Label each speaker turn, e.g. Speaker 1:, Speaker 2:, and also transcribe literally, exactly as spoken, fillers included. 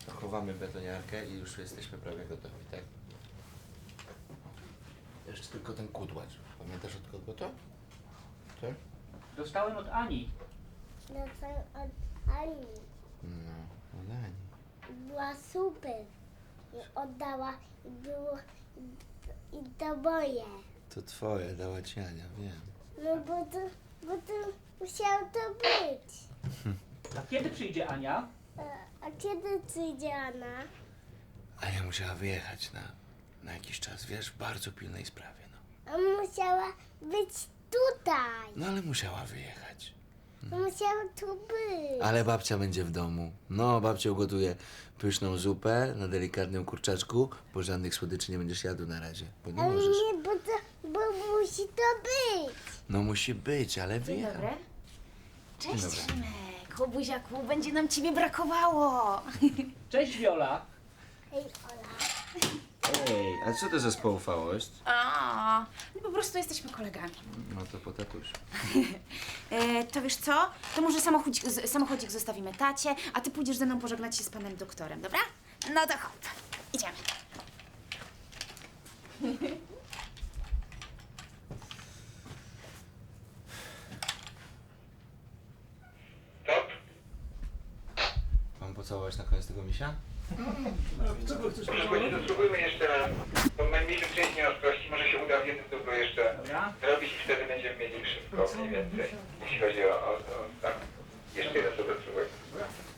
Speaker 1: Chowamy betoniarkę i już jesteśmy prawie gotowi, tak? Jeszcze tylko ten kudłacz. Pamiętasz od kogo to? Tak?
Speaker 2: Dostałem od Ani.
Speaker 3: Dostałem od Ani.
Speaker 1: No, od Ani.
Speaker 3: Była super. I oddała i było i, i to moje.
Speaker 1: To twoje, dała ci Ania, wiem.
Speaker 3: No bo to, bo to musiało to być.
Speaker 2: A kiedy przyjdzie Ania?
Speaker 3: A, a kiedy przyjdzie Anna?
Speaker 1: Ania musiała wyjechać na, na jakiś czas, wiesz, w bardzo pilnej sprawie, no.
Speaker 3: A musiała być tutaj.
Speaker 1: No ale musiała wyjechać.
Speaker 3: Musiała tu być.
Speaker 1: Ale babcia będzie w domu. No, babcia ugotuje pyszną zupę na delikatnym kurczaczku, bo żadnych słodyczy nie będziesz jadł na razie, bo nie
Speaker 3: Ale
Speaker 1: możesz.
Speaker 3: nie, bo, to, bo musi to być.
Speaker 1: No musi być, ale
Speaker 4: Dzień
Speaker 1: wyjechał.
Speaker 4: dobry. Cześć,
Speaker 1: dobry.
Speaker 4: Szymek. O buziaku, będzie nam ciebie brakowało.
Speaker 2: Cześć Wiola.
Speaker 3: Hej, Ola.
Speaker 1: Ej, a co to za spoufałość?
Speaker 4: A, no po prostu jesteśmy kolegami.
Speaker 1: No to po tatusiu.
Speaker 4: E, to wiesz co? To może samochodzik, z- samochodzik zostawimy tacie, a ty pójdziesz ze mną pożegnać się z panem doktorem, dobra? No to hop, idziemy.
Speaker 5: Top?
Speaker 1: Mam pocałować na koniec tego misia?
Speaker 5: Proszę powiedzieć, to spróbujmy jeszcze raz. Bo najmniejszy część nieostrości może się uda w jednym dublu jeszcze
Speaker 2: Dobra.
Speaker 5: zrobić i wtedy będziemy mieli szybko mniej więcej. Jeśli chodzi o, o, o